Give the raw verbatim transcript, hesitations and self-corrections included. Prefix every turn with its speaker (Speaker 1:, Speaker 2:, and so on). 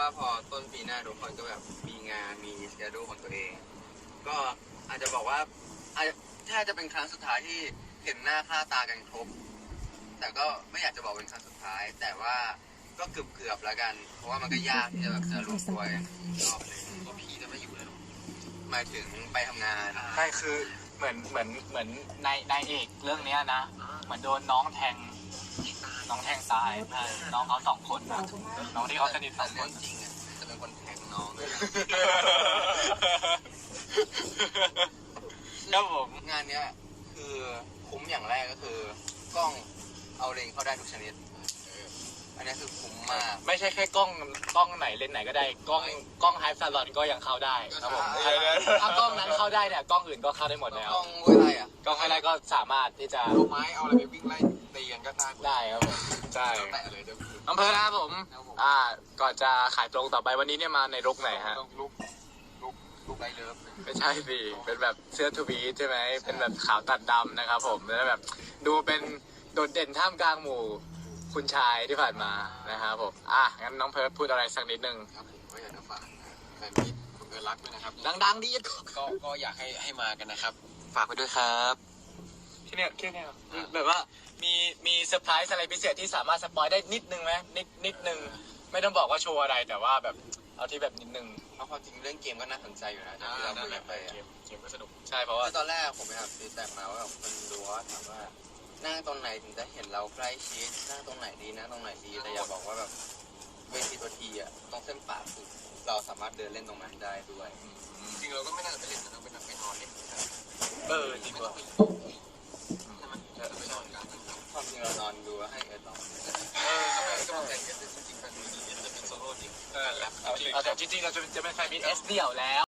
Speaker 1: ว่าพอต้นปีหน้าทุกคนก็แบบมีงานมีสเกดูของตัวเอง ก็อาจจะบอกว่าอาจจะถ้าจะเป็นครั้งสุดท้ายที่เห็นหน้าค่าตากันครบแต่ก็ไม่อยากจะบอกเป็นครั้งสุดท้าย แต่ว่าก็เกือบเกือบแล้วกัน เพราะว่ามันก็ยากที่จะแบบจะรวมตัวกันรอบนึงก็พี่จะไม่อยู่แล้วหมายถึงไปทำงาน
Speaker 2: ใช่คือเหมือนเหมือนเหมือนในในเอกเรื่องเนี้ยนะเหมือนโดนน้องแทงน้องแทงตายใช่น้องเขาสองคนนะน้องที่เขาสนิทส
Speaker 1: แต่
Speaker 2: องค
Speaker 1: เรื่อน งจริงอ่ะจะเป็นคนแทงน้องด้วยนะ
Speaker 2: ครับผม
Speaker 1: งานเนี้ยคือคุ้มอย่างแรกก็คือกล้องเอาเลนเข้าได้ทุกชนิดอันนี้คือคุ้มมาก
Speaker 2: ไม่ใช่แค่กล้องกล้องไหนเลนส์ไหนก็ได้กล้องกล้องไฮฟ์ซาลอนก็ยังเข้าได้ครับผมถ้ากล้องนั้นเข้าได้เนี่ยกล้องอื่นก็เข้าได้หมดแล้ว
Speaker 1: กล้องเว้ยไรอ่ะ
Speaker 2: กล้องไฮไลท์ก็สามารถที่จะ
Speaker 1: เอาไม้เอาอะไรไปวิ่งไล่ตีกันก็ได้
Speaker 2: ได้ครับผมใช่
Speaker 1: แตะเลยเดี๋ยว
Speaker 2: อำเภอนะครับผมอ่าก่อนจะขายตรงต่อไปวันนี้เนี่ยมาในรุกไหนฮะ
Speaker 1: ต้องลุกลุกลุกไรเลิฟ
Speaker 2: ไม่ใช่สิเป็นแบบเสื้อทูบีใช่ไหมเป็นแบบขาวตัดดำนะครับผมแล้วแบบดูเป็นโดดเด่นท่ามกลางหมู่คุณชายที่ผ่านมานะครับผมอ่ะงั้นน้องเพิร์ทพูดอะไรสักนิดนึง
Speaker 1: ครับผมก็อยากจะฝากแฟนมิตรคุณเอิร์ธรักด้วยนะครับ
Speaker 2: ดังๆดี
Speaker 1: ก็ก็อยากให้ให้มากันนะครับ ฝากไปด้วยครับ
Speaker 2: แค่เนี้ยแค่เนี้ยแบบว่ามีมีเซอร์ไพรส์อะไรพิเศษที่สามารถสปอยได้นิดนึงไหมนิดนิดนึงไม่ต้องบอกว่าโชว์อะไรแต่ว่าแบบเอาที่แบบนิดนึง
Speaker 1: เพราะความจริงเรื่องเกมก็น่าสนใจอยู่นะที่เราคุยกันไป
Speaker 2: เก
Speaker 1: อะ
Speaker 2: มเกมก็สนุกใช่เพราะว่า
Speaker 1: คือตอนแรกผมไปหาฟีดแบ็กมาว่าแบบคนดูว่าถามว่านั่งตรงไหนถึงจะเห็นเราใกล้ชิดนั่งตรงไหนดีนั่งตรงไหนดีแต่อย่าบอกว่าแบบเวทีตัวทีอ่ะต้องเส้นป่าสุดเราสามารถเดินเล่นตรงนั้นได้ด้วยจริงเราก็ไม่น่าจะไปเล่นนะไปนั่งไปนอนเล่น
Speaker 2: เออจริงว่ะ
Speaker 1: ไปนอนกันความจริงเรานอนดูแล้วให้เอิร์ธนอน
Speaker 2: เออ
Speaker 1: ทำไมก็ต้องแต่งกันจริงๆแฟนมิตรจะเป็นโซโล่จริง
Speaker 2: เออเอาจริงๆเราจะจะเป็นแฟนมิตรเอสเดี่ยวแล้ว